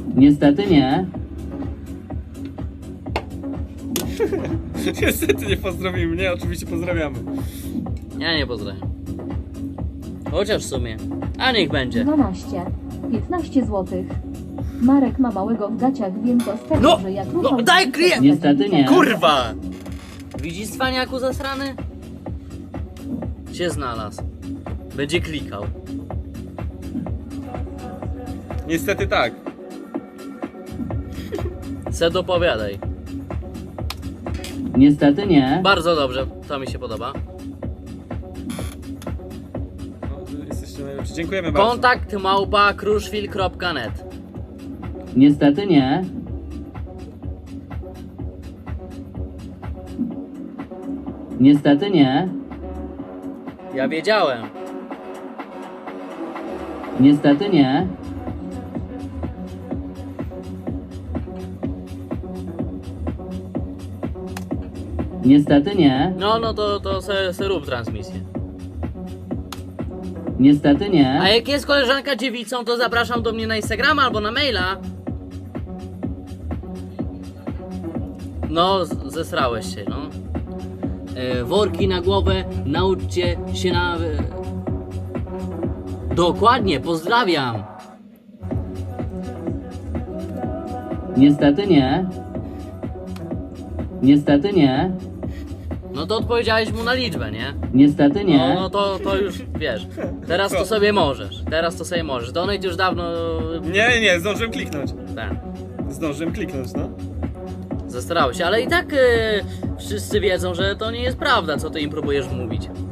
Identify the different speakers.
Speaker 1: Niestety nie.
Speaker 2: Niestety nie pozdrowili mnie, oczywiście pozdrawiamy.
Speaker 3: Ja nie pozdrawiam. Chociaż w sumie. A niech będzie.
Speaker 4: 12. 15 zł. Marek ma małego w gaciach, wiem to z tego,
Speaker 3: No,
Speaker 4: że jak
Speaker 3: no,
Speaker 4: ruszał...
Speaker 3: daj klient!
Speaker 1: Niestety nie.
Speaker 3: Kurwa! Widzisz cwaniaku zasrany? Się znalazł. Będzie klikał.
Speaker 2: Niestety tak.
Speaker 3: Se dopowiadaj.
Speaker 1: Niestety nie.
Speaker 3: Bardzo dobrze, to mi się podoba.
Speaker 2: No, jesteście najlepsi. Dziękujemy bardzo.
Speaker 3: Kontakt małpa kruszwil.net.
Speaker 1: Niestety nie. Niestety nie.
Speaker 3: Ja wiedziałem.
Speaker 1: Niestety nie. Niestety nie.
Speaker 3: No to se rób transmisję.
Speaker 1: Niestety
Speaker 3: A
Speaker 1: nie.
Speaker 3: jak jest koleżanka dziewicą, to zapraszam do mnie na Instagrama albo na maila. No, zesrałeś się, no. Worki na głowę, nauczcie się na... Dokładnie, pozdrawiam.
Speaker 1: Niestety nie. Niestety nie.
Speaker 3: No to odpowiedziałeś mu na liczbę, nie?
Speaker 1: Niestety
Speaker 3: No,
Speaker 1: nie.
Speaker 3: no to już, wiesz, teraz to sobie możesz. Teraz to sobie możesz. Donate już dawno...
Speaker 2: Nie, zdążyłem kliknąć.
Speaker 3: Tak,
Speaker 2: Zdążyłem kliknąć, no.
Speaker 3: zesrałeś się, ale i tak wszyscy wiedzą, że to nie jest prawda, co ty im próbujesz mówić.